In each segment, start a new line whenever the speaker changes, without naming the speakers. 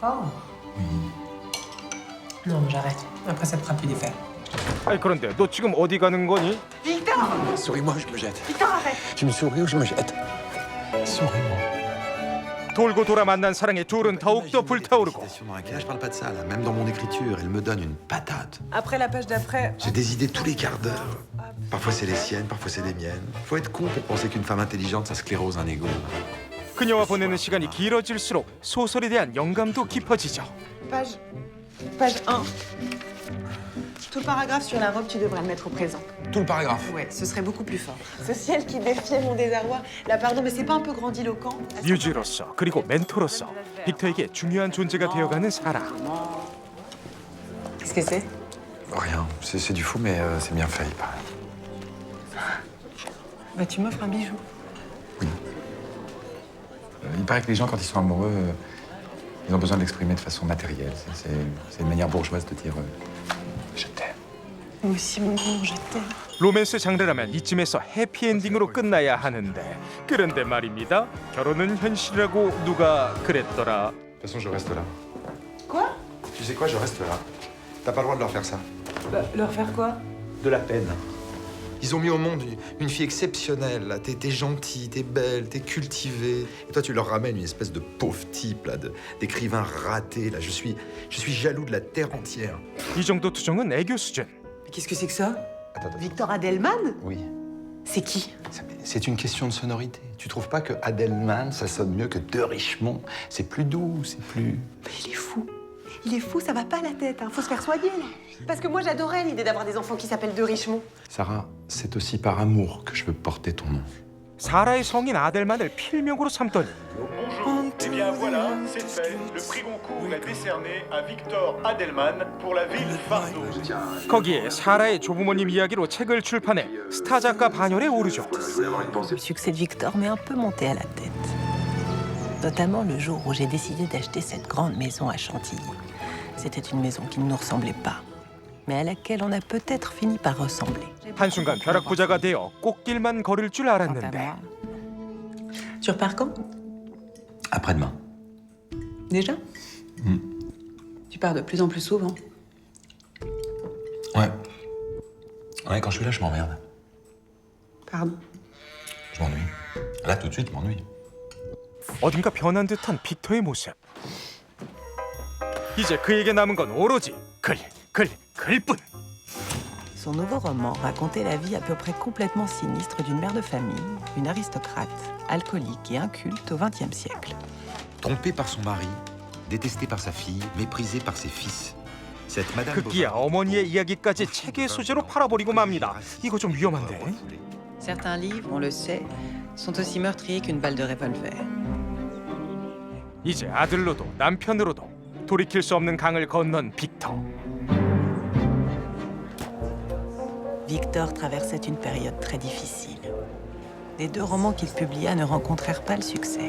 Encore? Non, j'arrête. Après, ça te fera plus d'effet.
아니 그런데 너 지금 어디 가는 거니?
Victor!
Souris-moi, je me jette.
Victor, arrête!
Tu me souris ou je me jette? Souris-moi.
돌고 돌아 만난 사랑의 둘은 더욱더 불타오르고
Dans laquelle je parle pas de ça, là. Même dans mon écriture, elle me donne une patate.
Après la page d'après...
J'ai des idées tous les quarts d'heure. Parfois c'est les siennes, parfois c'est les miennes. Faut être con pour penser qu'une femme intelligente, ça sclérose un ego.
그녀와 보내는 시간이 길어질수록 소설에 대한 영감도 깊어지죠.
Page 1. Tout le paragraphe sur la robe, tu devrais le mettre au présent.
Tout le paragraphe.
Ouais, ce serait beaucoup plus fort. Ce ciel qui défiait mon désarroi. Là, pardon, mais c'est pas un peu grandiloquent?
뮤즈로서 그리고 멘토로서 빅터에게 중요한 존재가 되어가는 사라.
Qu'est-ce que c'est?
Rien, c'est du fou, mais c'est bien fait, il paraît.
Bah, tu m'offres un bijou.
Il paraît que les gens, quand ils sont amoureux, ils ont besoin de l'exprimer de façon matérielle. C'est une manière bourgeoise de dire je t'aime.
Moi aussi, mon amour, je t'aime.
로맨스 장르라면 이쯤에서 해피엔딩으로 끝나야 하는데 그런데 말입니다. 결혼은 현실이라고 누가 그랬더라.
De toute façon, je reste là.
Quoi?
Tu sais quoi, je reste là. T'as pas le droit de leur faire ça.
Bah, leur faire quoi?
De la peine. Ils ont mis au monde une fille exceptionnelle, là. T'es gentille, t'es belle, t'es cultivée. Et toi, tu leur ramènes une espèce de pauvre type, là, d'écrivain raté, là. Je suis jaloux de la terre entière.
이 정도 투정은 애교 수준.
Mais qu'est-ce que c'est que ça?
Attends.
Victor Adelman?
Oui.
C'est qui?
C'est une question de sonorité. Tu trouves pas que Adelman, ça sonne mieux que De Richemont? C'est plus doux, c'est plus...
Mais il est fou. Il est fou, ça va pas la tête, hein. Faut se faire soigner, là. Parce que moi, j'adorais l'idée d'avoir des enfants qui s'appellent De Richemont.
Sarah, c'est aussi par amour que je veux porter ton nom.
사라의 성인 아델만을 필명으로 삼더니
Bonjour. Eh bien voilà, c'est fait. Le prix Goncourt est décerné à Victor Adelman pour la ville Fardeau.
거기에 사라의 조부모님 이야기로 책을 출판해 스타 작가 반열에 오르죠.
Le succès de Victor m'est un peu monté à la tête. Notamment le jour où j'ai décidé d'acheter cette grande maison à Chantilly. C'était une maison qui ne nous ressemblait pas, mais à laquelle on a peut-être fini par ressembler.
한순간 벼락부자가 되어 꽃길만 걸을 줄
Quant à
알았는데
moi,
Tu repars quand?
Après-demain.
Déjà? Tu pars de plus en plus souvent.
Ouais. Ouais, quand je suis là, je m'emmerde.
Pardon.
Je m'ennuie. Là, tout de suite, je m'ennuie.
어딘가 변한 듯한 빅터의 모습. 이제 그에게 남은 건 오로지 글뿐.
son nouveau roman racontait la vie à peu près complètement sinistre d'une mère de famille, une aristocrate, alcoolique et inculte au XXe siècle.
Trompée par son mari, détestée par sa fille, méprisée par ses fils. Cette Madame
급기야 어머니의 이야기까지 책의 소재로 팔아버리고 맙니다. 이거 좀 위험한데.
Certains livres, on le sait, sont aussi meurtriers qu'une balle de revolver.
이제 아들로도 남편으로도 돌이킬 수 없는 강을 건넌 빅터.
Victor traversait une période très difficile. Les deux romans qu'il publia ne rencontrèrent pas le succès.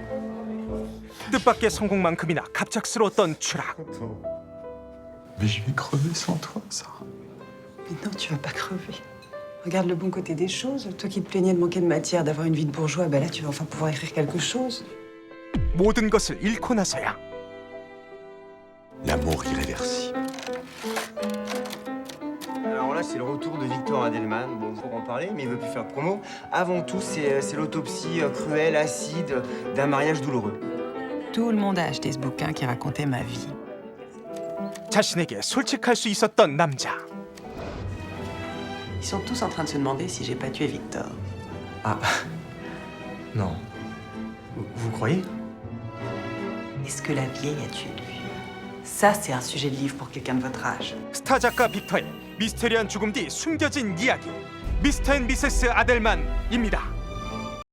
뜻밖의 성공만큼이나 갑작스러웠던 추락.
Mais je vais crever sans toi, Sarah.
Mais non, tu vas pas crever. Regarde le bon côté des choses. Toi qui te plaignais de manquer de matière, d'avoir une vie de bourgeois, ben là, tu vas enfin pouvoir écrire quelque chose.
모든 것을 잃고 나서야
L'amour irréversible.
Alors là, c'est le retour de Victor Adelman. Bon, pour en parler, mais il veut plus faire de promo. Avant tout, c'est l'autopsie cruelle, acide d'un mariage douloureux.
Tout le monde a acheté ce bouquin qui racontait ma vie.
자신에게 솔직할 수 있었던 남자.
Ils sont tous en train de se demander si j'ai pas tué Victor.
Ah. Non. Vous croyez?
Est-ce que la vieille a tué lui? Ça, c'est un sujet de livre pour quelqu'un de votre âge.
스타 작가 빅터의 미스테리한 죽음 뒤 숨겨진 이야기. 미스터 앤 미세스 아델만입니다.